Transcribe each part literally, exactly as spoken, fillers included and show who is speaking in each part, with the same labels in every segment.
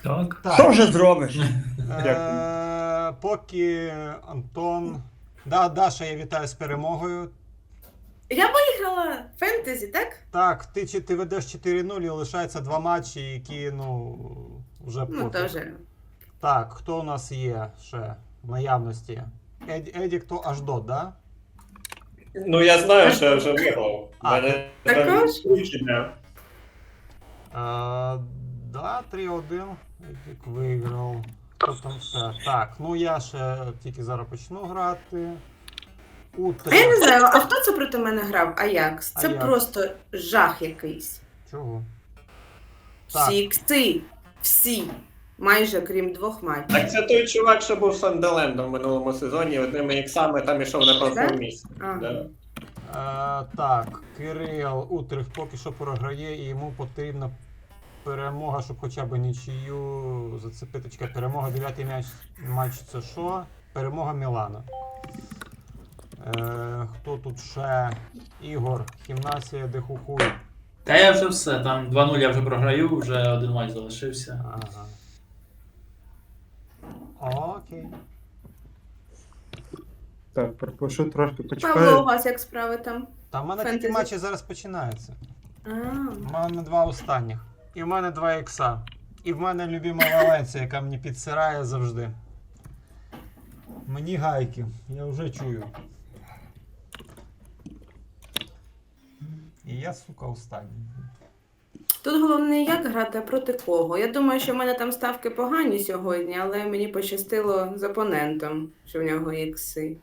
Speaker 1: Так.
Speaker 2: Так.
Speaker 3: Що вже зробиш?
Speaker 2: Е, Поки Антон. Да, Даша, я вітаю з перемогою.
Speaker 4: Я виграла фентезі, так?
Speaker 2: Так, ти, чи- ти ведеш чотири нуль і лишається два матчі, які, ну, вже
Speaker 4: Ну,
Speaker 2: пофіг.
Speaker 4: теж.
Speaker 2: Так, хто у нас є ще в наявності? Ед, Едік, то аж до, да?
Speaker 5: Ну я знаю, що я вже виграв.
Speaker 2: А,
Speaker 5: Мене
Speaker 4: також?
Speaker 5: включення.
Speaker 2: Е, да, три один. Едік виграв. Хто там ще? Так, ну я ще тільки зараз почну грати. У
Speaker 4: А я не
Speaker 2: три.
Speaker 4: знаю, а хто це проти мене грав? Аякс. Це
Speaker 2: Аякс.
Speaker 4: просто жах якийсь.
Speaker 2: Чого? Так.
Speaker 4: Всі ікси. Всі. Майже крім двох матчів.
Speaker 5: Так це той чувак, що був Сандерлендом в минулому сезоні, одними іксами там ішов на першому
Speaker 4: Да?
Speaker 5: місці.
Speaker 4: Ага.
Speaker 5: Да.
Speaker 2: Е, так, Кирил Утрих поки що програє, і йому потрібна перемога, щоб хоча б нічию зацепити. Чекай, перемога, дев'ятий м'яч, матч це що? Перемога Мілана. Е, хто тут ще? Ігор, Хімнасія, Дехухуй.
Speaker 1: Та я вже все, там два нуль я вже програю, вже один матч залишився.
Speaker 2: Ага. Окей.
Speaker 6: Так, прошу трошки
Speaker 4: Павло, у
Speaker 6: почекаю.
Speaker 4: вас як справи там?
Speaker 2: Та в мене такі
Speaker 4: Фентезі.
Speaker 2: матчі зараз починаються.
Speaker 4: А,
Speaker 2: У мене два останніх. І в мене два ікса. І в мене любима Валенція, яка мені підсирає завжди. Мені гайки, я вже чую. І я, сука, останній.
Speaker 4: Тут головне не як грати, а проти кого. Я думаю, що в мене там ставки погані сьогодні, але мені пощастило з опонентом, що в нього ікси.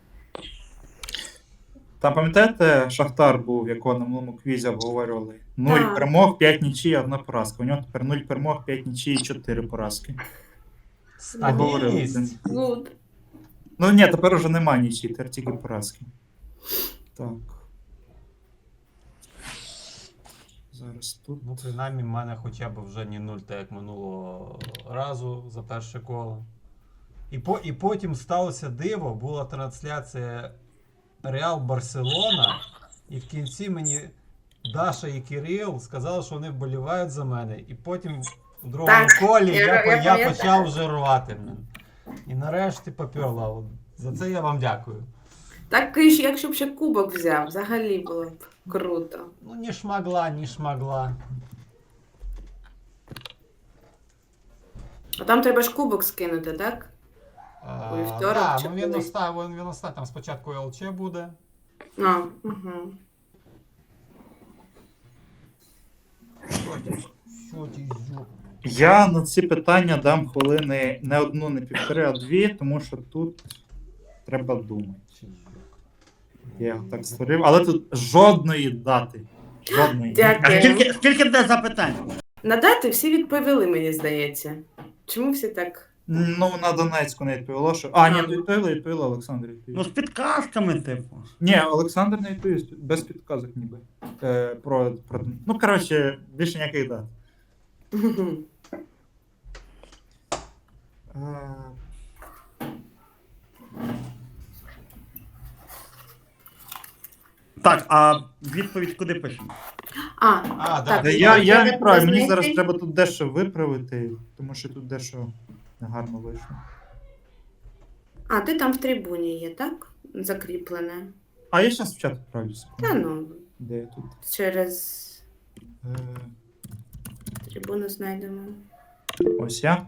Speaker 6: Там пам'ятаєте, Шахтар був, якого на минулому квізі обговорювали? Нуль
Speaker 4: Так.
Speaker 6: перемог, п'ять нічий, одна поразка. У нього тепер нуль перемог, п'ять нічий і чотири поразки. Обговорили це.
Speaker 2: Стабільність.
Speaker 4: Гуд.
Speaker 6: Ну ні, тепер уже немає нічий, тепер тільки поразки. Так. Зараз тут.
Speaker 2: Ну, принаймні, в мене хоча б вже не нуль, так як минулого разу за перше коло. І, по, і потім сталося диво, була трансляція Реал Барселона, і в кінці мені Даша і Кирил сказали, що вони вболівають за мене. І потім в другому
Speaker 4: Так,
Speaker 2: колі
Speaker 4: я-
Speaker 2: я,
Speaker 4: я
Speaker 2: по- я,
Speaker 4: пам'ятаю.
Speaker 2: почав вже рвати. блін. І нарешті попёрла. От За це я вам дякую.
Speaker 4: Так, і ж, якщо б ще кубок взяв, взагалі було б круто.
Speaker 2: Ну, не шмогла, не шмогла.
Speaker 4: А там треба ж кубок скинути, так?
Speaker 2: А,
Speaker 4: У вівторок
Speaker 2: да,
Speaker 4: чи
Speaker 2: ну, він
Speaker 4: коли?
Speaker 2: оста- він, він оста- там спочатку ЛЧ буде.
Speaker 4: А, угу.
Speaker 2: Що ти, що ти, зю?
Speaker 6: Я на ці питання дам хвилини не одну, не півтори, а дві, тому що тут треба думати. Я його так створив, але тут жодної дати. Жодної.
Speaker 3: А
Speaker 4: Дякую.
Speaker 3: скільки, скільки буде запитань?
Speaker 4: На дати всі відповіли, мені здається. Чому всі так?
Speaker 6: Ну, на Донецьку не відповіло, що. А, ні, відповіли, відповіли, Олександр відповів.
Speaker 3: Ну, з підказками, типу.
Speaker 6: Ні, Олександр не відповів, без підказок ніби. Е, про, про... Ну, коротше, більше ніяких дат. Е,
Speaker 3: Так, а відповідь куди пишемо?
Speaker 4: А,
Speaker 2: А, да.
Speaker 4: Так,
Speaker 6: Та я, я
Speaker 4: треба
Speaker 6: не правий, мені
Speaker 4: знайти.
Speaker 6: зараз треба тут дещо виправити, тому що тут дещо негарно вийшло.
Speaker 4: а ти там в трибуні є, так? Закріплене.
Speaker 6: А я зараз в чат відправлюся.
Speaker 4: Та ну,
Speaker 6: Де я тут?
Speaker 4: через
Speaker 6: Е,
Speaker 4: трибуну знайдемо.
Speaker 6: ось я.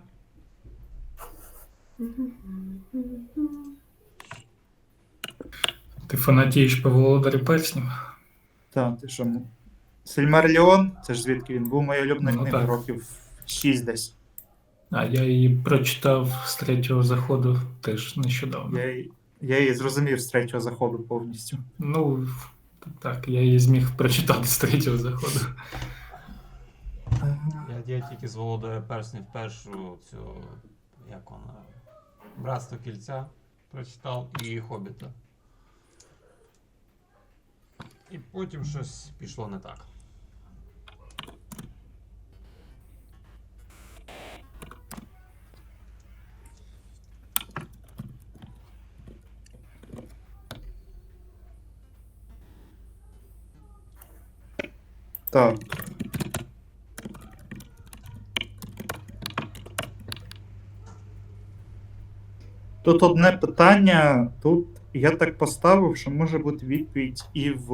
Speaker 1: Ти фанатієш по володарі перснів?
Speaker 6: Так, ти що? м- Сильмаріон, це ж звідки він був, моя улюблена
Speaker 1: Ну,
Speaker 6: книга
Speaker 1: так.
Speaker 6: років шість десь.
Speaker 1: А я її прочитав з третього заходу теж нещодавно.
Speaker 6: Я, її- я її зрозумів з третього заходу повністю.
Speaker 1: Ну, так, я її зміг прочитати з третього заходу.
Speaker 2: Я, я тільки з Володаря Перснів першу цю, як вона, Братство Кільця прочитав і Хобіта. І потім щось пішло не так.
Speaker 6: Так. Тут одне питання. Тут я так поставив, що може бути відповідь і в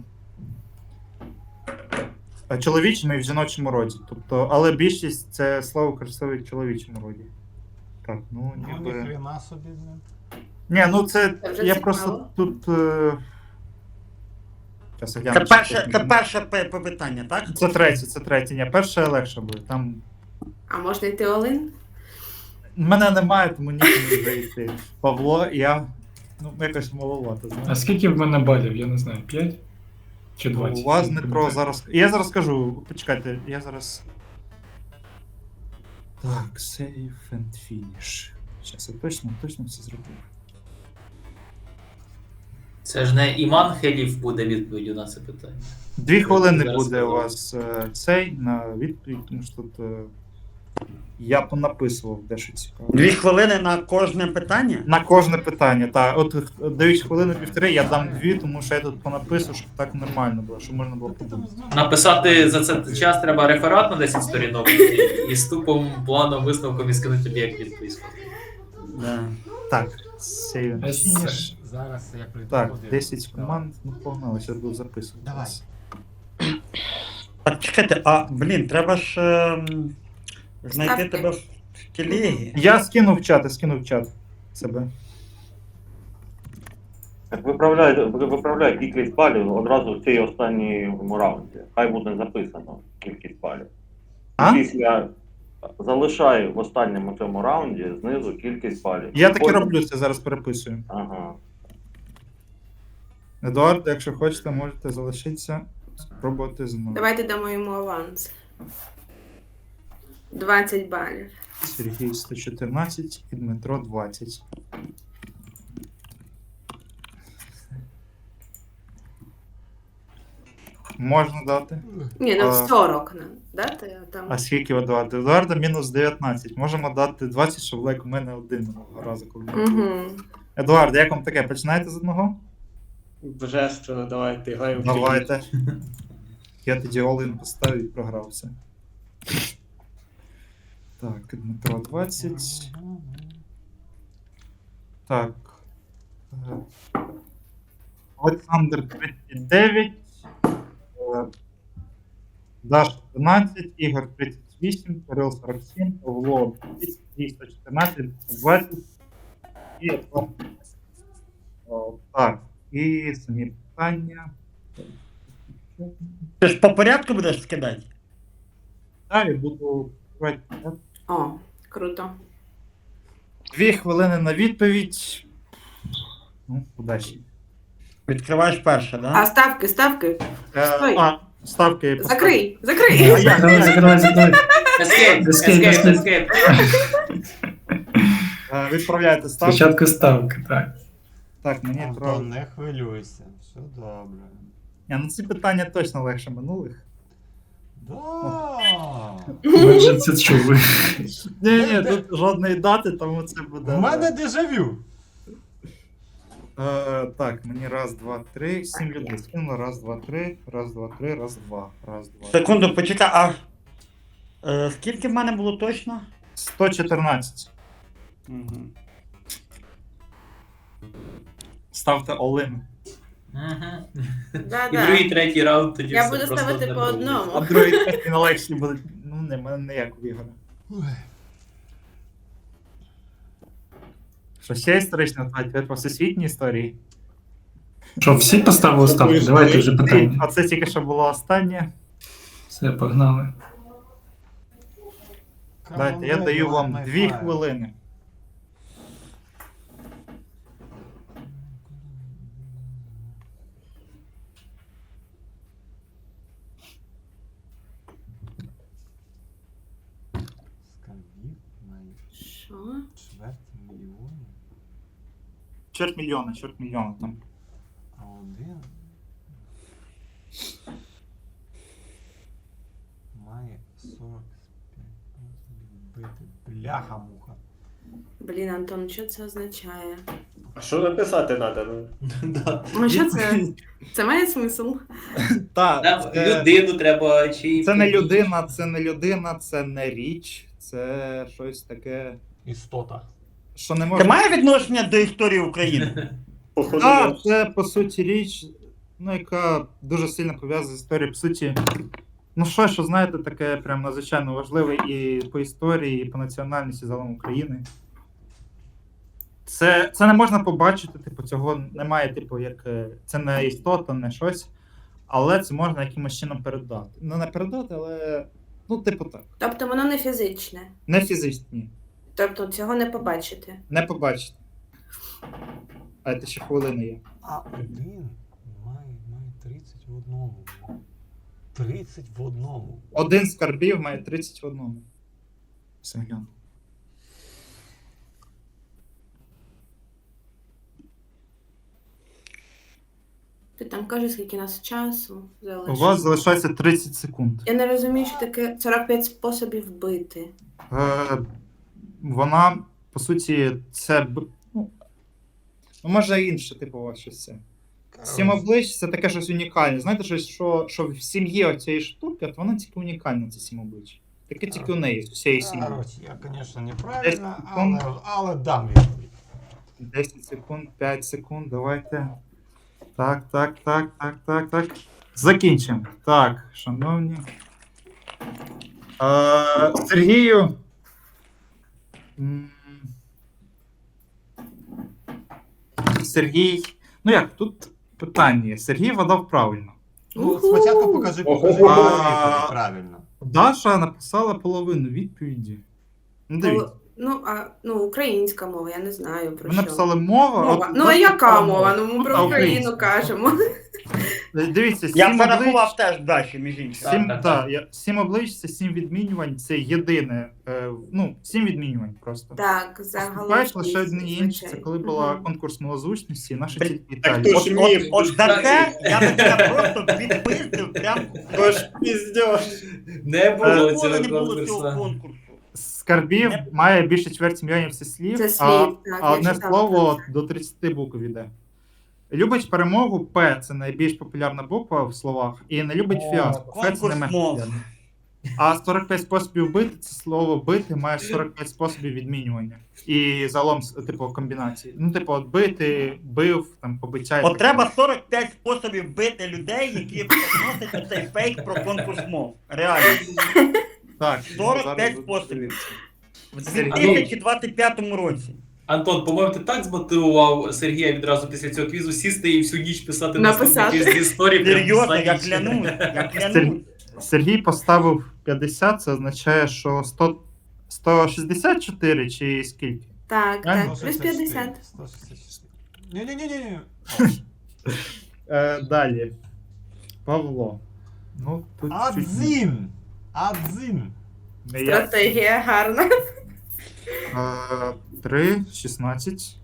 Speaker 6: е, чоловічому, і в жіночому роді. Тобто, але більшість це слово красиве в чоловічому роді. Так, ну
Speaker 2: Ну,
Speaker 6: ніби.
Speaker 2: ніхрена собі, блін.
Speaker 6: Ні, ну це.
Speaker 4: Це вже
Speaker 6: Я
Speaker 4: цікаво.
Speaker 6: просто тут. Е... Щас я гляну,
Speaker 3: Це
Speaker 6: чи
Speaker 3: перше,
Speaker 6: тут-
Speaker 3: це перше пе- пе- питання, так?
Speaker 6: Це третє, це третє. Ні, перше легше буде. Там
Speaker 4: А можна йти Олин?
Speaker 6: мене немає, тому нікому не вже йти. Павло, я. Ну, якось маловато, знаєш.
Speaker 1: А скільки в мене балів? Я не знаю, п'ять? Чи
Speaker 6: Ну,
Speaker 1: двадцять?
Speaker 6: у вас
Speaker 1: Не
Speaker 6: Дмитро
Speaker 1: пам'ятаю.
Speaker 6: зараз. Я зараз скажу, почекайте, я зараз. Так, save and finish. Зараз я точно, точно все зробив.
Speaker 7: Це ж не Іман Хелів буде відповіддю на це питання.
Speaker 6: Дві хвилини
Speaker 7: Зараз
Speaker 6: буде у
Speaker 7: подумаю.
Speaker 6: вас е, цей на відповідь, тому що тут е, я понаписував дещо цікаве.
Speaker 3: Дві хвилини на кожне питання?
Speaker 6: На кожне питання, так. От е, дають хвилину півтори, я дам дві, тому що я тут понаписував, щоб так нормально було, щоб можна було подумати.
Speaker 7: Написати за це час треба реферат на десять сторінок і, і з тупом планом висновком і скинути тобі як відповідь.
Speaker 3: Да.
Speaker 6: Так, save and
Speaker 1: Есе.
Speaker 6: finish.
Speaker 2: Зараз я прийду.
Speaker 6: Так,
Speaker 2: подивлюсь.
Speaker 6: десять команд, ну погнали, зараз буду записувати.
Speaker 2: Давай.
Speaker 3: Так, чекайте, а, блін, треба ж ем, знайти
Speaker 4: Ставки.
Speaker 3: тебе в телегі.
Speaker 6: Я скинув в чат, я скинув в чат себе.
Speaker 8: Так виправляй, виправляй кількість балів одразу в цій останньому раунді. Хай буде записано кількість балів.
Speaker 6: А?
Speaker 8: Після залишай в останньому цьому раунді знизу кількість балів.
Speaker 6: Я так і
Speaker 8: Потім-
Speaker 6: роблю, це зараз переписую.
Speaker 8: Ага.
Speaker 6: Едуард, якщо хочете, можете залишитися, спробувати знову.
Speaker 4: Давайте дамо йому аванс. двадцять балів.
Speaker 6: Сергій сто чотирнадцять і Дмитро двадцять. Можна дати.
Speaker 4: Ні, ну
Speaker 6: А.
Speaker 4: сорок нам дати, а там.
Speaker 6: А скільки у Едуарда? Едуарда мінус дев'ятнадцять. Можемо дати двадцять, щоб лайк у мене один минулого разу, коли. не було.
Speaker 4: Угу.
Speaker 6: Едуард, як вам таке? Починаєте з одного?
Speaker 5: Божественно, давайте граємо. в
Speaker 6: Давайте. Я тоді Олин поставив і програвся. Так, Дмитро двадцять. Так. Е, Олександр тридцять дев'ять. е, Даш тринадцять, Ігор тридцять вісім, Кирил сорок сім, Павло двісті, сто чотирнадцять, двадцять. І Антон. О, так, і самі питання.
Speaker 3: Ти ж по порядку будеш скидати?
Speaker 6: Далі буду.
Speaker 4: О, круто.
Speaker 6: Дві хвилини на відповідь. Ну, удачі.
Speaker 3: Відкриваєш перше,
Speaker 4: А
Speaker 3: да?
Speaker 4: ставки, ставки.
Speaker 6: Е,
Speaker 4: Стой.
Speaker 6: а, ставки я поставлю.
Speaker 4: Закрий, закрий.
Speaker 1: Закривай, закривай, закривай.
Speaker 7: Ескейп,
Speaker 1: Ескейп,
Speaker 7: ескейп,
Speaker 1: ескейп.
Speaker 7: ескейп.
Speaker 6: Е, Відправляйте ставки.
Speaker 1: Спочатку ставки, так.
Speaker 6: Так, мені
Speaker 2: Антон,
Speaker 6: треба.
Speaker 2: не хвилюйся, все добре.
Speaker 6: Ні, ну ці питання точно легше минулих.
Speaker 2: Да.
Speaker 1: Ми вже це чули.
Speaker 6: Ні, ні, тут жодної дати, тому це буде.
Speaker 2: У мене дежавю.
Speaker 6: Е, так, мені раз, два, три, сім людей скинуло. Раз, два, три, раз, два, три, раз, два. Раз, два.
Speaker 3: Секунду, почекай, а е, скільки в мене було точно?
Speaker 6: сто чотирнадцять.
Speaker 3: Угу.
Speaker 6: Ставте Олин.
Speaker 7: Ага. І
Speaker 4: Да-да.
Speaker 7: другий, третій раунд тоді
Speaker 4: Я
Speaker 7: все
Speaker 4: буду
Speaker 7: просто
Speaker 4: ставити
Speaker 7: одне
Speaker 4: по
Speaker 7: буде.
Speaker 4: одному.
Speaker 6: А другий третій на легші буде. Ну, не, мене не як у Ігора. Що ще історично знати? Тепер по всесвітній історії.
Speaker 1: Що, всі поставили ставки? Давайте вже питання.
Speaker 6: А це тільки що було останнє.
Speaker 1: Все, погнали.
Speaker 6: Дайте, я даю вам дві хвилини.
Speaker 2: Скарбів на
Speaker 4: Що?
Speaker 2: чверть мільйонів,
Speaker 6: Чверть мільйона, чверть мільйона там.
Speaker 2: а один має сорок п'ять вбити. Бляха-муха.
Speaker 4: Блін, Антон, що це означає?
Speaker 5: А що написати треба? Ну?
Speaker 7: Да.
Speaker 4: Ну, що це? Це має смисл?
Speaker 6: Так,
Speaker 7: Нам
Speaker 6: це,
Speaker 7: людину треба чи.
Speaker 6: це не людина, це не людина, це не річ, це щось таке.
Speaker 2: Істота.
Speaker 6: що не
Speaker 3: Це
Speaker 6: можна.
Speaker 3: має відношення до історії України?
Speaker 5: Походу,
Speaker 6: Так,
Speaker 5: ні.
Speaker 6: це по суті річ, ну, яка дуже сильно пов'язана з історією. По суті, ну що, що знаєте, таке прям надзвичайно важливе і по історії, і по національності загалом України. Це, це не можна побачити, типу, цього немає, типу, як е, це не істота, не щось, але це можна якимось чином передати. Ну, не передати, але ну, типу так.
Speaker 4: Тобто воно не фізичне.
Speaker 6: Не фізично, ні.
Speaker 4: Тобто цього не побачити.
Speaker 6: Не побачите. А це ще хвилини є.
Speaker 2: А один має, має тридцять в одному. тридцять в одному.
Speaker 6: Один з скарбів має тридцять в одному. Все гляну.
Speaker 4: Ти там кажеш, скільки нас часу
Speaker 6: У
Speaker 4: залишилось.
Speaker 6: вас залишається тридцять секунд.
Speaker 4: Я не розумію, що таке сорок п'ять способів бити.
Speaker 6: Е, вона, по суті, це. б- Ну, ну, може інше, типу, у вас щось це. Сім облич це таке щось унікальне. Знаєте, щось, що, що в сім'ї оцієї штуки, от вона тільки унікальна, це сім облич. Таке тільки у неї, з усієї сім'ї.
Speaker 2: Короче, я, звісно, неправильно,
Speaker 6: Десять
Speaker 2: але,
Speaker 6: секунд.
Speaker 2: але дам відповідь.
Speaker 6: десять секунд, п'ять секунд, давайте. Так, так, так, так, так, так. Закінчимо. Так, шановні. Е, Сергію. М, Сергій. Ну як, тут питання є. Сергій вгадав правильно.
Speaker 2: Ну,
Speaker 4: Уху!
Speaker 2: спочатку покажи, покажи
Speaker 5: Ого.
Speaker 2: відповідь правильно.
Speaker 6: Даша написала половину відповіді. Ну, дивіться.
Speaker 4: Ну, а, ну, українська мова, я не знаю про
Speaker 6: Ви
Speaker 4: що.
Speaker 6: написали мова.
Speaker 4: Мова.
Speaker 6: от
Speaker 4: Ну, а
Speaker 6: Даша
Speaker 4: яка
Speaker 6: написала
Speaker 4: мова? Ну, ми
Speaker 6: Ну,
Speaker 4: про
Speaker 6: а
Speaker 4: Україну
Speaker 6: українська.
Speaker 4: кажемо.
Speaker 6: Дивіться,
Speaker 3: Я
Speaker 6: сім
Speaker 3: порахував
Speaker 6: облич.
Speaker 3: теж Даші, між іншим.
Speaker 6: Сім,
Speaker 7: Так, так,
Speaker 6: та,
Speaker 7: так.
Speaker 6: я, сім облич це сім відмінювань, це єдине. Е, ну, сім відмінювань просто.
Speaker 4: Так, загалом.
Speaker 6: Поступаєш лише
Speaker 4: шість,
Speaker 6: одне інше. Це
Speaker 4: звичайно.
Speaker 6: коли була
Speaker 4: Мгм.
Speaker 6: конкурс малозвучності, наша тільки
Speaker 5: Так
Speaker 6: Італія.
Speaker 5: то
Speaker 3: От,
Speaker 5: ж
Speaker 3: от,
Speaker 5: міф.
Speaker 3: от за це я би тебе просто відпиздив прям.
Speaker 5: Тож піздєш.
Speaker 7: Не було
Speaker 3: Ніколи
Speaker 7: цього
Speaker 3: не було цього
Speaker 7: конкурсу.
Speaker 3: конкурсу.
Speaker 6: Скарбів
Speaker 3: Не-
Speaker 6: має більше чверті мільйонів це слів,
Speaker 4: Це
Speaker 6: а,
Speaker 4: слів, так,
Speaker 6: а
Speaker 4: я
Speaker 6: одне
Speaker 4: читала
Speaker 6: слово
Speaker 4: про це.
Speaker 6: до тридцяти букв іде. Любить перемогу П це найбільш популярна буква в словах, і не любить
Speaker 3: О,
Speaker 6: фіаско. Ф це
Speaker 3: конкурс
Speaker 6: не менш
Speaker 3: мов.
Speaker 6: популярне. А сорок п'ять способів бити це слово бити має сорок п'ять способів відмінювання. І загалом, типу, комбінації. Ну, типу, от бити, бив, там, побиття. і
Speaker 3: От
Speaker 6: так
Speaker 3: треба
Speaker 6: далі.
Speaker 3: сорок п'ять способів бити людей, які приносять цей фейк про конкурс мов. Реально.
Speaker 6: Так,
Speaker 3: сорок
Speaker 6: зараз
Speaker 3: п'ять
Speaker 6: буду
Speaker 3: способів.
Speaker 6: дивитися.
Speaker 3: В
Speaker 6: Сергій.
Speaker 3: дві тисячі двадцять п'ятому році.
Speaker 7: Антон, по-моєму, ти так змотивував Сергія відразу після цього квізу сісти і всю ніч писати
Speaker 4: Написати.
Speaker 7: наступні квіз з історії. прям
Speaker 3: Серйозно,
Speaker 7: за
Speaker 3: я
Speaker 7: ніч.
Speaker 3: клянусь, я клянусь.
Speaker 6: Сергій поставив п'ятдесят, це означає, що сто, сто шістдесят чотири чи скільки?
Speaker 4: Так,
Speaker 6: Правильно?
Speaker 4: так, плюс п'ятдесят.
Speaker 2: сто шістдесят чотири. Ні-ні-ні.
Speaker 6: Е, далі. Павло. Ну, тут чуть
Speaker 2: Адзін. Адзін.
Speaker 6: не я.
Speaker 4: Стратегія гарна.
Speaker 6: Е, три, шістнадцять.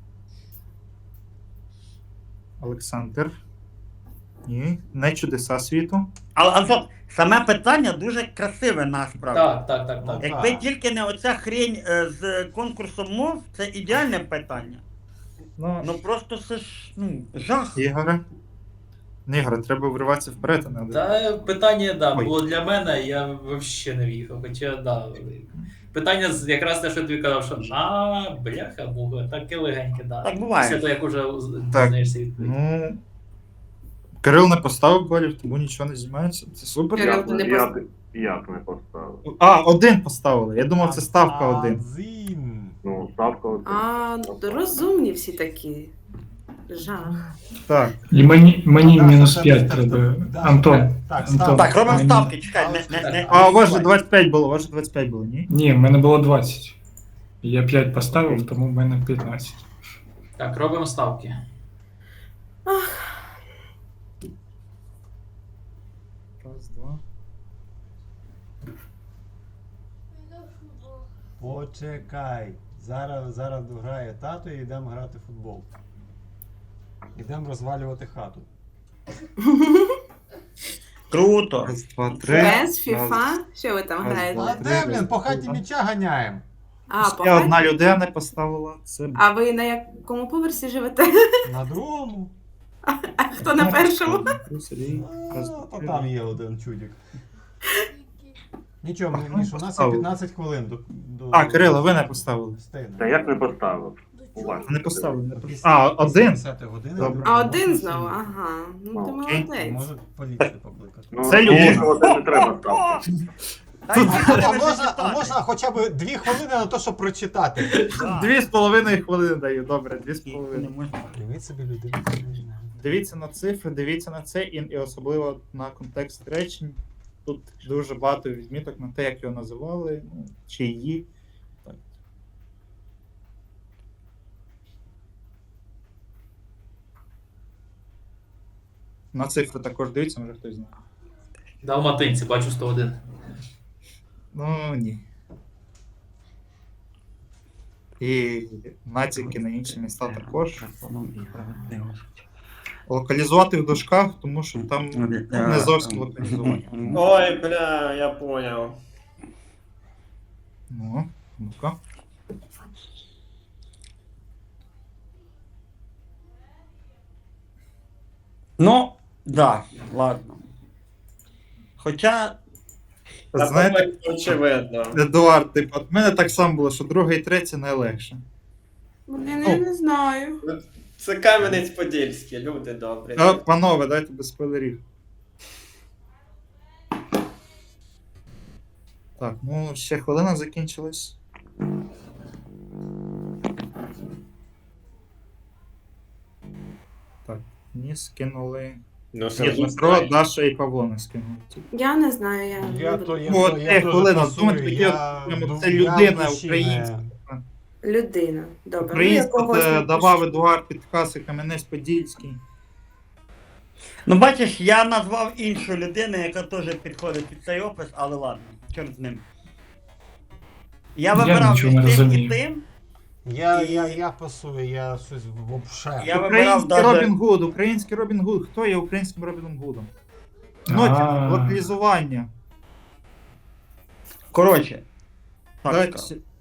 Speaker 6: Олександр. Ні, не чудеса світу.
Speaker 3: Але Антон, саме питання дуже красиве насправді.
Speaker 7: Так, так, так, так.
Speaker 3: Якби
Speaker 2: Так.
Speaker 3: тільки не оця хрень е, з конкурсом мов, це ідеальне питання.
Speaker 6: Ну,
Speaker 3: Ну просто це ж ну, жах.
Speaker 6: Ігоре. Не, Ігоре, треба вриватися вперед, а не
Speaker 7: Та питання, да,
Speaker 6: Ой.
Speaker 7: було для мене, я взагалі не в'їхав. Хоча, да. Питання з- якраз те, що тобі казав, що а, бляха, муха, таке легеньке, да.
Speaker 3: Так буває.
Speaker 7: Після того, як уже
Speaker 6: Так.
Speaker 7: дізнаєшся відповідь.
Speaker 6: Ну. Кирил не поставив балів, тому нічого не знімається. Це супер.
Speaker 4: Кирил,
Speaker 8: Як,
Speaker 4: ти не
Speaker 8: як, як не поставив?
Speaker 6: А, один поставили. Я думав, це ставка один.
Speaker 2: Адзін.
Speaker 8: Ну, ставка один.
Speaker 4: А, розумні всі такі. Жах.
Speaker 6: Так.
Speaker 1: І мені, мені
Speaker 2: Даша,
Speaker 1: мінус
Speaker 2: тебе-
Speaker 1: п'ять
Speaker 2: тебе-
Speaker 1: треба.
Speaker 2: Даша,
Speaker 1: Антон.
Speaker 2: Так,
Speaker 1: Антон.
Speaker 2: ставка.
Speaker 3: Так, робимо
Speaker 1: Мені-
Speaker 3: ставки, чекай, не, не, не.
Speaker 6: А у вас же двадцять п'ять було, у вас же двадцять п'ять було, ні?
Speaker 1: Ні, в мене було двадцять. Я п'ять поставив, тому в мене п'ятнадцять.
Speaker 7: Так, робимо ставки.
Speaker 6: Раз, два.
Speaker 2: Почекай. Зараз, зараз дограє тато і йдемо грати в футбол. Йдемо розвалювати хату.
Speaker 3: Круто.
Speaker 6: Раз, два, три.
Speaker 4: Без
Speaker 6: Раз.
Speaker 4: фіфа? Що ви там
Speaker 6: раз,
Speaker 4: граєте?
Speaker 6: два.
Speaker 2: А де, блін, по хаті м'яча ганяємо.
Speaker 4: А,
Speaker 6: Ще
Speaker 4: погано.
Speaker 6: одна людина поставила. Це
Speaker 4: А ви на якому поверсі живете?
Speaker 2: На другому.
Speaker 4: А хто на першому?
Speaker 6: Сергій. Раз,
Speaker 2: А,
Speaker 6: два,
Speaker 2: то
Speaker 6: три.
Speaker 2: там є один чудик. Нічого,
Speaker 6: А,
Speaker 2: Міш, у нас є
Speaker 6: поставив.
Speaker 2: п'ятнадцять хвилин до, до...
Speaker 6: А, Кирило, ви не поставили.
Speaker 2: Встигнемо.
Speaker 8: Та як не поставив? Уважно.
Speaker 6: Не поставили, не
Speaker 2: До
Speaker 6: поставили.
Speaker 2: після-
Speaker 6: А,
Speaker 2: після
Speaker 6: один?
Speaker 2: десятої години
Speaker 6: Добре.
Speaker 2: можна
Speaker 4: А один
Speaker 2: всім-
Speaker 4: знову, ага. Ну ти
Speaker 8: Ну,
Speaker 6: окей.
Speaker 4: молодець.
Speaker 2: Можуть поліцію покликати.
Speaker 8: Ну,
Speaker 6: Це людина.
Speaker 8: ну, один не треба ставити.
Speaker 3: Та й
Speaker 2: А,
Speaker 3: ти
Speaker 2: а,
Speaker 3: не
Speaker 2: можна,
Speaker 3: читати.
Speaker 2: а можна хоча б дві хвилини на те, щоб прочитати.
Speaker 6: Дві з половиною хвилини даю, добре, дві з
Speaker 3: Не
Speaker 6: половиною.
Speaker 3: можна.
Speaker 2: Привіт собі людину.
Speaker 6: Дивіться на цифри, дивіться на це, і, і особливо на контекст речень. Тут дуже багато відміток на те, як його називали, ну, чи її. Так. На цифри також дивіться, може хтось знає.
Speaker 7: Далматинці, бачу сто один.
Speaker 6: Ну ні. І натяки на інші міста також. Локалізувати в дужках, тому що там не зовсім локалізування.
Speaker 5: Ой, бля, я поняв.
Speaker 6: Ну, ну-ка.
Speaker 3: Ну, да, ладно. Хоча,
Speaker 6: Знаєте,
Speaker 5: Очевидно.
Speaker 6: Едуард, типу, от мене так само було, що друге і третє найлегше.
Speaker 4: Блін, я не знаю.
Speaker 5: Це Кам'янець-Подільський, люди добрі.
Speaker 6: А, панове, дайте без спойлерів. Так, ну ще хвилина закінчилась. Так, ні, скинули.
Speaker 5: Ну,
Speaker 6: Ні, Дмитро, Даша і Павло не скинули.
Speaker 4: Я не знаю, я.
Speaker 2: Я
Speaker 4: не
Speaker 2: то,
Speaker 4: буду.
Speaker 2: я,
Speaker 6: Ну,
Speaker 2: то,
Speaker 6: от,
Speaker 2: я
Speaker 6: е,
Speaker 2: теж
Speaker 6: хвилина,
Speaker 2: пасую,
Speaker 6: думайте, таке
Speaker 2: я
Speaker 6: от, прямо
Speaker 2: ду-
Speaker 6: це
Speaker 2: я
Speaker 6: людина
Speaker 2: душі
Speaker 6: українська.
Speaker 2: не-
Speaker 4: Людина. Добре.
Speaker 6: Українська
Speaker 4: ну, якогось
Speaker 6: е,
Speaker 4: напишу.
Speaker 6: давав Едуард підкази Кам'янець-Подільський.
Speaker 3: ну бачиш, я назвав іншу людину, яка теж підходить під цей опис, але ладно, чорт з ним. Я
Speaker 1: Я
Speaker 3: вибирав
Speaker 1: нічого не
Speaker 3: між тим і
Speaker 1: розумію.
Speaker 3: тим.
Speaker 2: Я,
Speaker 3: І-
Speaker 2: я, я пасую, я щось вообще.
Speaker 3: Я вибирав
Speaker 6: Український
Speaker 3: даже-
Speaker 6: Робін Гуд, український Робін Гуд. Хто є українським Робіном Гудом? Ну,
Speaker 1: А.
Speaker 6: локалізування.
Speaker 3: Коротше. Так,
Speaker 6: Давайте
Speaker 3: скажу.
Speaker 6: ще-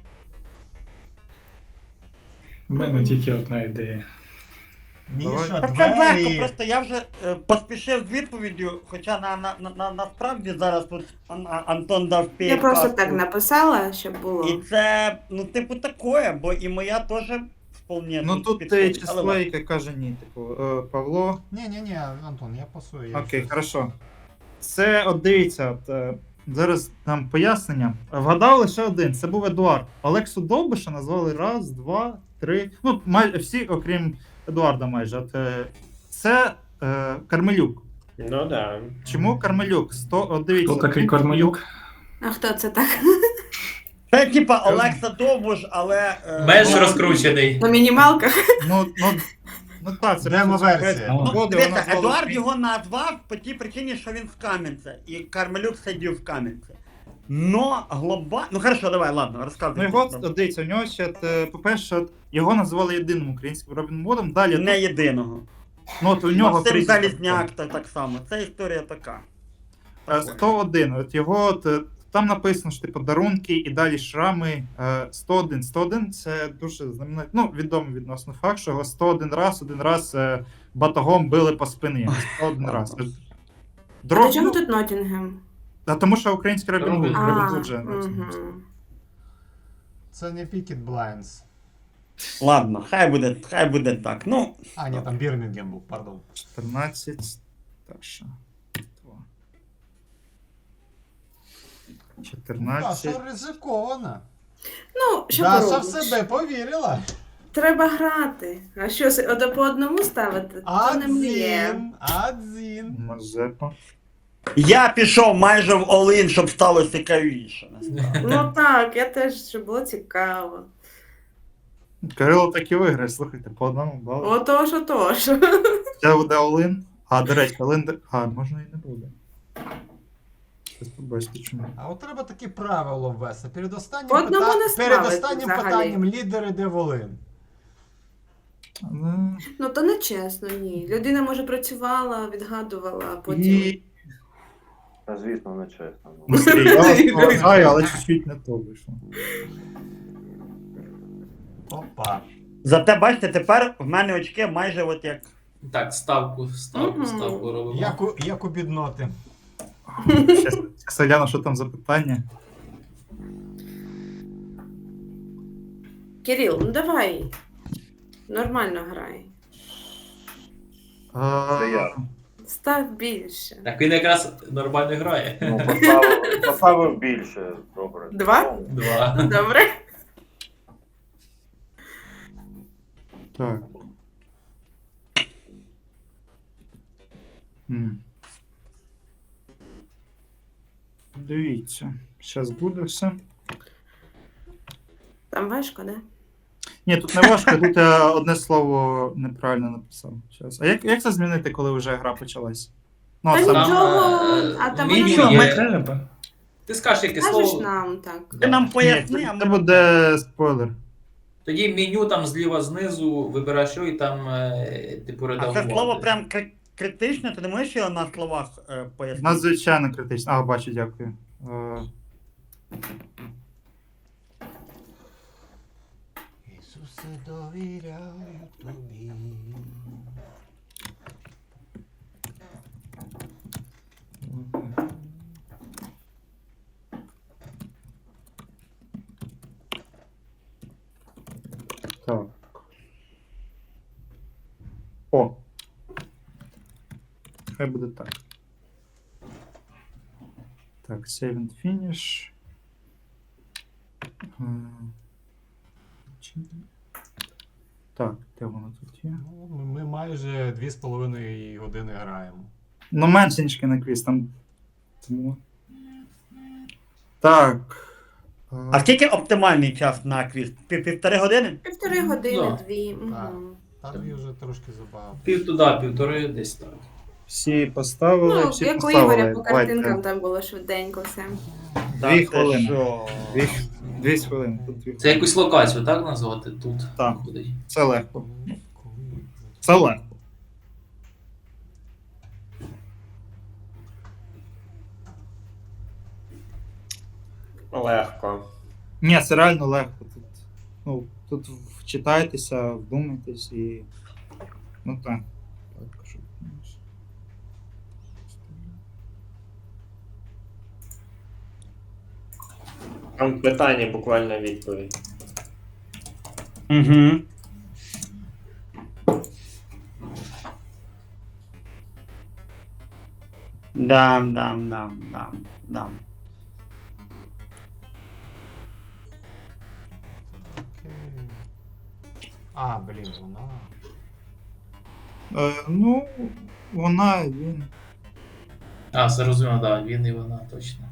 Speaker 1: У мене тільки одна ідея.
Speaker 2: Міша,
Speaker 3: Та це легко,
Speaker 2: двері.
Speaker 3: просто я вже е, поспішив з відповіддю, хоча на, на, на, на, насправді зараз тут Ан- А- Антон дав
Speaker 4: Я
Speaker 3: підказку.
Speaker 4: просто так написала, щоб було.
Speaker 3: І це, ну, типу, такое, бо і моя теж вполне
Speaker 6: Ну тут те
Speaker 3: підходить, але
Speaker 6: число,
Speaker 3: ладно.
Speaker 6: яке каже ні. Типу, е, Павло.
Speaker 2: Ні, ні, ні, Антон, я пасую. я
Speaker 6: Окей,
Speaker 2: щось-
Speaker 6: хорошо. Це, от дивіться, от, е, зараз нам пояснення. Вгадав лише один, це був Едуард. Олексу Довбиша назвали раз, два, три. Ну, майже всі, окрім Едуарда, майже. От, е, це е, Кармелюк.
Speaker 5: Ну да.
Speaker 6: Чому Кармелюк? Сто, от дивіться.
Speaker 1: Хто такий Кормелюк?
Speaker 4: А хто це так?
Speaker 3: Це типа Олекса Довбуш, але. е,
Speaker 7: Менш
Speaker 3: ну,
Speaker 7: розкручений.
Speaker 4: На мінімалках?
Speaker 6: Ну, ну, ну так, це
Speaker 2: Демо-версія.
Speaker 6: Ну,
Speaker 3: Ну,
Speaker 6: Годи
Speaker 3: дивіться,
Speaker 6: вона назвала
Speaker 3: Едуард
Speaker 6: Україну.
Speaker 3: його назвав по тій причині, що він з Кам'янця, і Кармелюк сидів в Кам'янці. Но глобально. Ну хорошо, давай, ладно, розказуй.
Speaker 6: Ну його, от, дивіться, у нього ще, от, е, по-перше, от, його називали єдиним українським Робін Гудом. Далі,
Speaker 3: Не єдиного.
Speaker 6: ну, от у нього
Speaker 3: Максим
Speaker 6: прізвище
Speaker 3: Залізняк та так само. Це історія така.
Speaker 6: Е, сто один. От його от, е, там написано, що типу дарунки і далі шрами. е, сто один. сто один це дуже знаменитий, ну, відомий відносно факт, що його сто один раз, один раз е, батогом били по спині. сто один раз.
Speaker 4: А
Speaker 6: Дроб,
Speaker 4: до чого
Speaker 6: ну,
Speaker 4: тут Ноттінгем?
Speaker 6: а тому що український Робін Гуд.
Speaker 7: Робін
Speaker 6: Робін
Speaker 4: А,
Speaker 6: Гуд же.
Speaker 4: мгм.
Speaker 2: Це не Peaky Blinders.
Speaker 3: Ладно, хай буде, хай буде так. Ну,
Speaker 2: А, ні, там Бірмінгем був, пардон.
Speaker 6: чотирнадцять. Таша. Два. чотирнадцять.
Speaker 2: Даша ризикована.
Speaker 4: Ну, що
Speaker 2: Даша в
Speaker 4: поробиш?
Speaker 2: себе повірила.
Speaker 4: Треба грати. А що, с- ото по одному ставити? Це не мріє.
Speaker 2: Адзін, адзін.
Speaker 6: Мазепа.
Speaker 3: я пішов майже в Олин, щоб стало цікавіше.
Speaker 4: Ну так, я теж, щоб було цікаво.
Speaker 6: Кирило так і виграє, слухайте, по одному балу.
Speaker 4: Отож, отож.
Speaker 6: Це буде Олин. А, до речі, Олин. де- А, можна і не буде. Щось побачите, чому.
Speaker 2: А от треба таке правило ввести. Перед останнім,
Speaker 4: По одному
Speaker 2: пита-
Speaker 4: не
Speaker 2: перед
Speaker 4: ставити
Speaker 2: останнім
Speaker 4: взагалі.
Speaker 2: питанням лідери де Волин.
Speaker 6: Але...
Speaker 4: Ну то не чесно, ні. Людина, може, працювала, відгадувала, а потім.
Speaker 6: І...
Speaker 8: Та, звісно, не чесно.
Speaker 6: Ну, Сергій, я вас поважаю, але чуть-чуть не то вийшло.
Speaker 2: Опа.
Speaker 3: Зате бачите, тепер в мене очки майже от як.
Speaker 7: Так, ставку, ставку,
Speaker 4: Мгм.
Speaker 7: ставку робимо.
Speaker 2: Як у, як у бідноти.
Speaker 6: Щас, щас я гляну, що там за питання.
Speaker 4: Кирил, ну давай. Нормально грай.
Speaker 8: Це я.
Speaker 4: Став більше.
Speaker 7: Так він якраз нормально грає.
Speaker 8: Ну, поставив, поставив більше, добре.
Speaker 4: Два?
Speaker 8: Ну,
Speaker 7: Два.
Speaker 4: Добре?
Speaker 6: Так. М. Дивіться, зараз буде все.
Speaker 4: Там важко, да?
Speaker 6: Ні, тут не важко, тут я одне слово неправильно написав. Щас. А як, як це змінити, коли вже гра почалась? Ну,
Speaker 4: Та
Speaker 6: а саме-
Speaker 4: нічого,
Speaker 7: е,
Speaker 4: а там
Speaker 7: мінімум
Speaker 4: воно
Speaker 7: є.
Speaker 1: Не треба.
Speaker 7: Ти скажеш яке
Speaker 4: Скажеш
Speaker 7: слово.
Speaker 4: нам так.
Speaker 3: Ти нам
Speaker 6: Ні,
Speaker 3: поясни, а
Speaker 6: це,
Speaker 3: ми...
Speaker 6: це буде спойлер.
Speaker 7: Тоді меню там зліва знизу, вибираєш що і там е, типу
Speaker 3: А
Speaker 7: редагувати.
Speaker 3: це слово прям кри- критичне, ти не можеш його на словах е, пояснити?
Speaker 6: Надзвичайно критично. А, бачу, дякую. Е,
Speaker 2: Ісусе, довіряю тобі.
Speaker 6: так. О. Хай буде так. Так, save and finish. Е, чи- Так, де воно тут є?
Speaker 2: Ну, ми, ми майже дві з половиною години граємо.
Speaker 6: Ну, менше, ніж кіноквіз, там. Тому... Так. е,
Speaker 3: А скільки оптимальний час на квіз? Пів- Півтори години?
Speaker 4: Півтори години,
Speaker 7: Да.
Speaker 4: дві.
Speaker 2: Так.
Speaker 4: Угу.
Speaker 2: Там дві вже трошки забагато.
Speaker 7: Пів туди, півтори десь так.
Speaker 6: Всі поставили,
Speaker 4: Ну,
Speaker 6: всі
Speaker 4: як у
Speaker 6: поставили.
Speaker 4: Ігоря по
Speaker 6: Давайте.
Speaker 4: картинкам там було швиденько все.
Speaker 6: Дві
Speaker 3: Та ти
Speaker 6: хвилини.
Speaker 3: що?
Speaker 6: Дві, дві хвилини. Тут дві.
Speaker 7: Це якусь локацію, так назвати? Тут
Speaker 6: Так.
Speaker 7: виходить.
Speaker 6: Це легко. Це легко.
Speaker 5: Легко.
Speaker 6: Ні, це реально легко. Тут, ну, тут вчитайтеся, вдумайтесь і. Ну так. Так, щоб-
Speaker 5: Там питання, буквально відповідь.
Speaker 3: Угу. Дам, дам, дам, дам, дам.
Speaker 2: Окей. А, блін, вона.
Speaker 6: Е, ну, вона, він.
Speaker 7: А, зрозуміло, так, да, він і вона точно.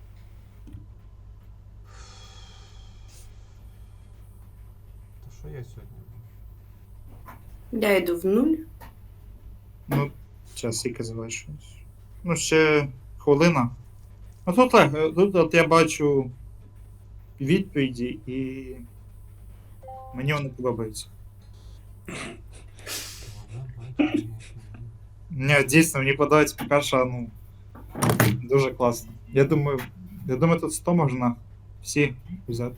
Speaker 2: То що я сьогодні?
Speaker 4: Я йду в нуль.
Speaker 6: Ну, час скільки залишилось. Ну, ще хвилина. А тут так, е, тут от я бачу відповіді і мені вони подобаються.
Speaker 2: Вона бачить.
Speaker 6: Ні, дійсно, мені подобається Пікаша, ну, дуже класно. Я думаю, я думаю, тут сто можна всі взяти.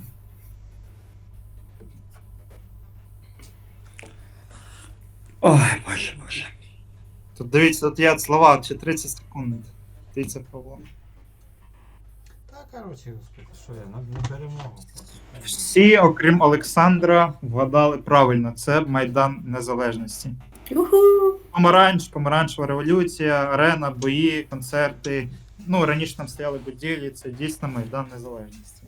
Speaker 3: Ой, боже, боже.
Speaker 6: Тут дивіться, тут є слова, чи тридцять секунд. Дивіться, Павло.
Speaker 2: Та, коротше, господи, що я, на, на перемогу.
Speaker 6: Всі, окрім Олександра, вгадали правильно. Це Майдан Незалежності.
Speaker 4: Юху!
Speaker 6: Помаранч, помаранчева революція, арена, бої, концерти. Ну, раніше там стояли будівлі, це дійсно Майдан Незалежності.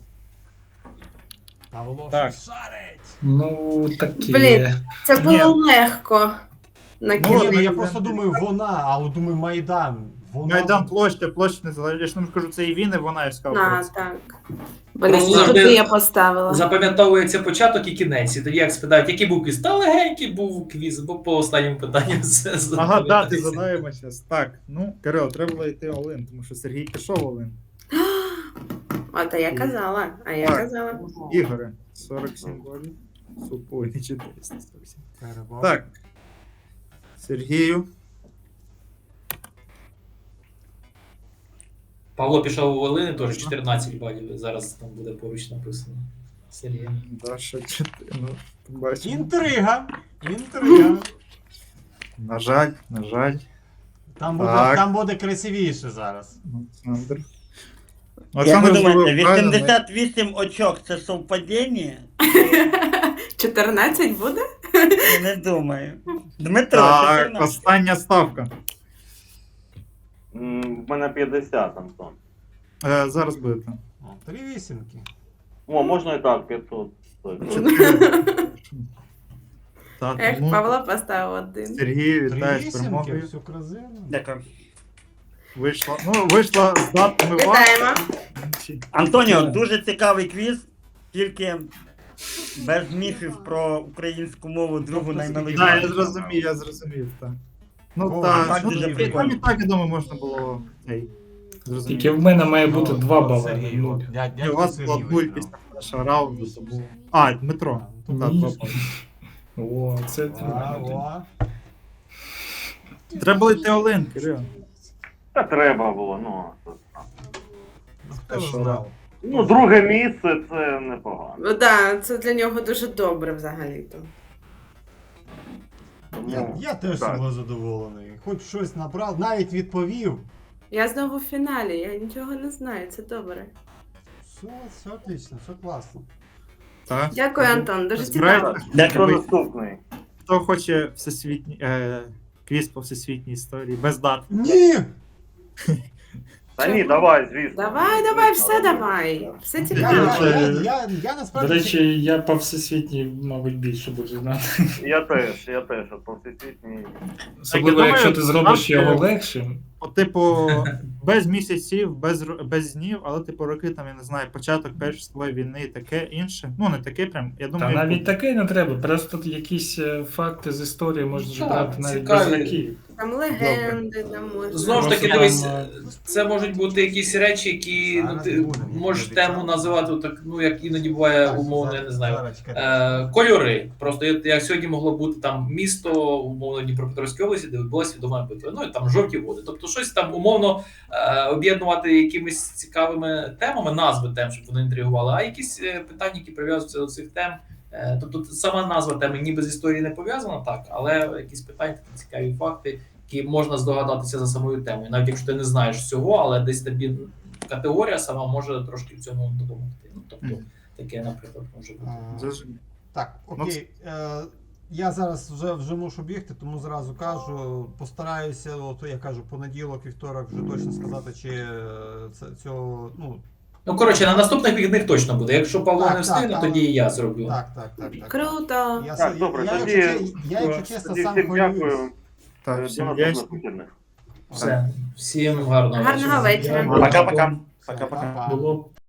Speaker 2: Павло
Speaker 6: Так.
Speaker 2: щось шарить!
Speaker 1: Ну, такі.
Speaker 4: Блін. Це було
Speaker 6: Ні.
Speaker 4: легко. На
Speaker 2: Ну,
Speaker 6: Ну,
Speaker 2: ні, ну, я
Speaker 6: Майдан-
Speaker 2: просто думаю, вона, але думаю, Майдан. Вона...
Speaker 6: Майдан площа, площа Незалежності. Я ж не кажу, це і він, і вона, я ж сказав.
Speaker 4: На,
Speaker 6: про це.
Speaker 4: так. Блін,
Speaker 7: Просто
Speaker 4: і
Speaker 7: завжди
Speaker 4: туди я поставила.
Speaker 7: Запам'ятовується початок і кінець. І тоді як спитають, який був квіз? Та легенький був квіз, бо по останньому питанню все
Speaker 6: Ага,
Speaker 7: запам'ятається.
Speaker 6: дати задаємо зараз. Так, ну, Кирил, треба було йти Олин, тому що Сергій пішов Олин.
Speaker 4: А та я казала, а я
Speaker 6: Так.
Speaker 4: казала.
Speaker 6: Ігоре, сорок сім голів. Супой, чотириста сорок сім.
Speaker 2: Перебор.
Speaker 6: Так. Сергію.
Speaker 7: Павло пішов у Волини, теж чотирнадцять балів. Зараз там буде поруч написано. Сергій.
Speaker 6: Даша чотири. Ну, побачимо.
Speaker 2: Інтрига! Інтрига!
Speaker 6: На жаль, на жаль.
Speaker 2: Там буде,
Speaker 6: Так.
Speaker 2: там буде красивіше зараз.
Speaker 6: Олександр.
Speaker 3: Як ви
Speaker 6: Олександр
Speaker 3: думаєте,
Speaker 6: зробив правильно, ми-
Speaker 3: вісімдесят вісім очок це совпадіння?
Speaker 4: чотирнадцять буде?
Speaker 3: Я не думаю. Дмитро,
Speaker 6: Так,
Speaker 3: чотирнадцять.
Speaker 6: остання ставка.
Speaker 8: М, В мене п'ятдесят, Антон.
Speaker 6: Е, зараз будете.
Speaker 2: О, Три вісімки.
Speaker 8: О, можна і так, п'ятсот.
Speaker 6: Так,
Speaker 4: Ех,
Speaker 6: тому
Speaker 4: Павло поставив один.
Speaker 6: Сергій,
Speaker 2: Три
Speaker 6: вітаю з
Speaker 2: вісімки,
Speaker 6: перемогою.
Speaker 2: все красиво.
Speaker 3: Дякую.
Speaker 6: Вийшла. Ну, вийшла з датами вам.
Speaker 4: Вітаємо.
Speaker 3: Антоніо, дуже цікавий квіз, тільки без міфів про українську мову другу
Speaker 2: Тобто,
Speaker 6: Так, я
Speaker 3: наймилішу.
Speaker 6: зрозумів, я зрозумів, так. Ну
Speaker 2: О,
Speaker 6: так,
Speaker 3: так
Speaker 6: ну,
Speaker 3: дуже
Speaker 6: і
Speaker 3: прикольно.
Speaker 6: там і так, я думаю, можна було цей. Зрозуміти.
Speaker 1: Тільки в мене має бути
Speaker 2: Ну,
Speaker 1: два
Speaker 2: от
Speaker 1: бали.
Speaker 2: Сергій,
Speaker 1: ну,
Speaker 2: от, дядь-
Speaker 6: Ні, у
Speaker 2: дядько
Speaker 6: вас
Speaker 2: Сергій
Speaker 6: була нуль
Speaker 2: виграв.
Speaker 6: після першого раунду, тому. А, Дмитро.
Speaker 2: Ну,
Speaker 6: Так,
Speaker 1: Ні.
Speaker 6: два бали.
Speaker 1: О, це
Speaker 2: А,
Speaker 1: треба.
Speaker 2: о.
Speaker 6: Треба було йти Олен, Кирил.
Speaker 8: Та треба було, ну.
Speaker 2: Ну, Хто
Speaker 6: що,
Speaker 2: знав?
Speaker 8: Ну, друге місце це непогано.
Speaker 4: Ну так, це для нього дуже добре взагалі-то.
Speaker 8: Тому,
Speaker 2: Я, я теж
Speaker 8: так.
Speaker 2: собою задоволений. Хоч щось набрав, навіть відповів.
Speaker 4: Я знову в фіналі, я нічого не знаю, це добре.
Speaker 2: Все, все отлично, все класно.
Speaker 6: Так.
Speaker 4: Дякую, Антон, дуже
Speaker 6: Збираєте?
Speaker 4: цікаво.
Speaker 8: Хто
Speaker 3: Дякую.
Speaker 8: наступний?
Speaker 6: Хто хоче всесвітній е, квіз по всесвітній історії без дат?
Speaker 2: Ні!
Speaker 8: Та ні, давай, звісно.
Speaker 4: Давай, давай, все давай. Все
Speaker 2: Я,
Speaker 4: цікаво.
Speaker 2: я, я, я, я
Speaker 1: До
Speaker 2: насправді.
Speaker 1: речі, я по всесвітній, мабуть, більше буду знати.
Speaker 8: Я теж, я теж, от по всесвітній.
Speaker 1: Особливо,
Speaker 6: думаю,
Speaker 1: якщо ти зробиш
Speaker 6: завжди-
Speaker 1: його легшим.
Speaker 6: От, типу, без місяців, без, ро- без днів, але типу роки там, я не знаю, початок Першої світової війни і таке інше. Ну, не таке прям, я
Speaker 1: Та
Speaker 6: думаю,
Speaker 1: навіть таке не треба. Просто якісь е, факти з історії можна ж
Speaker 7: Так,
Speaker 1: брати навіть без
Speaker 7: цікаві.
Speaker 1: років.
Speaker 4: Там легенди, там можна.
Speaker 7: Знову ж таки,
Speaker 1: Просто
Speaker 7: дивись,
Speaker 1: там,
Speaker 7: це можуть бути якісь речі, які ну,
Speaker 2: Зараз
Speaker 7: ти
Speaker 2: будемо,
Speaker 7: можеш
Speaker 2: я
Speaker 7: тему
Speaker 2: обіцяв.
Speaker 7: називати, так, ну як іноді буває
Speaker 2: Так,
Speaker 7: умовно, я
Speaker 2: зараз-
Speaker 7: не знаю.
Speaker 2: зараз чекайте.
Speaker 7: Е, кольори. Просто як, як сьогодні могло бути там місто, умовно Дніпропетровській області, де відбулася відома битва. Ну і там жовті води. Тобто щось там умовно е, об'єднувати якимись цікавими темами, назви тем, щоб вони інтригували, а якісь е, питання, які прив'язуються до цих тем. Е, тобто сама назва теми ніби з історією не пов'язана, так, але якісь питання, такі цікаві факти, які можна здогадатися за самою темою. Навіть якщо ти не знаєш всього, але десь тобі категорія сама може трошки в цьому допомогти. Ну, тобто,
Speaker 6: Мгм.
Speaker 7: таке, наприклад, може бути.
Speaker 2: А,
Speaker 6: Зрозумів.
Speaker 2: Так,
Speaker 6: Ну,
Speaker 2: окей. Е, я зараз вже, вже мушу бігти, тому зразу кажу, постараюся, от я кажу, понеділок, вівторок вже точно сказати, чи е, це цього. Ну,
Speaker 7: Ну, коротше, на наступних вихідних точно буде. Якщо Павло
Speaker 2: Так,
Speaker 7: не встигне,
Speaker 2: так,
Speaker 7: тоді
Speaker 2: але-
Speaker 7: і я зроблю.
Speaker 2: так, так, так, так.
Speaker 4: Круто.
Speaker 2: Я,
Speaker 8: Так,
Speaker 2: с-
Speaker 8: добре,
Speaker 2: я,
Speaker 8: тоді-
Speaker 2: якщо, че- я, якщо чесно,
Speaker 8: Тоді
Speaker 2: сам
Speaker 8: всім
Speaker 2: хвилююсь.
Speaker 8: дякую.
Speaker 6: Так,
Speaker 8: До
Speaker 6: всім
Speaker 8: наступних
Speaker 6: вдячний.
Speaker 8: вихідних.
Speaker 7: Все. Всім гарного
Speaker 4: Гарного вечора.
Speaker 3: Пока-пока. Пока-пока.
Speaker 2: Па-па.
Speaker 1: Було